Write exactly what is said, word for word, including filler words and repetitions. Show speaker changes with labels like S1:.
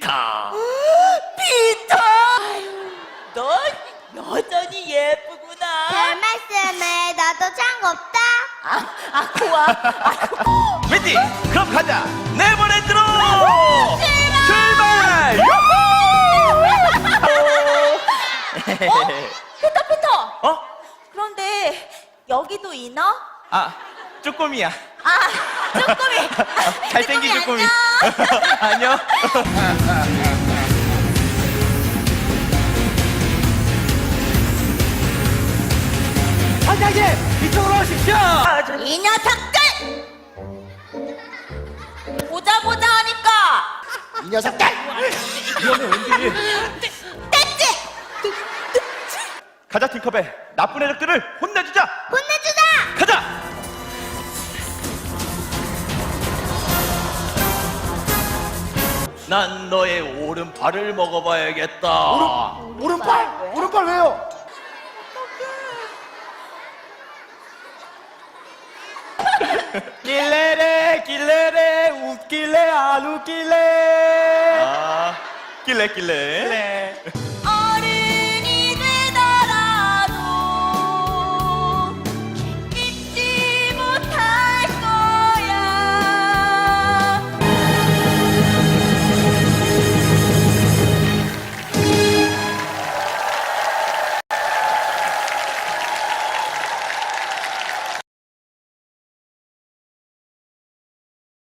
S1: 피터.
S2: 피터! 너 여전히 예쁘구나.
S3: 별 말씀을 나도 짱없다.
S2: 아, 아 고와. 아,
S1: 웬디, 그럼 가자. 네버랜드로
S3: 출발!
S1: 출발.
S2: 어? 피터 피터.
S1: 어?
S2: 그런데 여기도 인어?
S1: 아, 쪼꼬미야.
S2: 아, 쪼꼬미.
S1: 잘생긴 쪼꼬미.
S2: 안녕.
S1: 안녕. 반장님, 이쪽으로 오십시오.
S2: 이 녀석들! 보자 보자 하니까
S4: 이 녀석들!
S1: 위험해, 웬디.
S2: 뗐지?
S1: 가자, 팅커벨. 나쁜 애들을 혼내주자.
S3: 혼내주자!
S1: 가자. 난 너의 오른팔을 먹어봐야겠다.
S4: 오른, 오른팔? 오른팔 왜요?
S1: 길래래 길래래 웃길래 안 웃길래. 아, 길래 길래.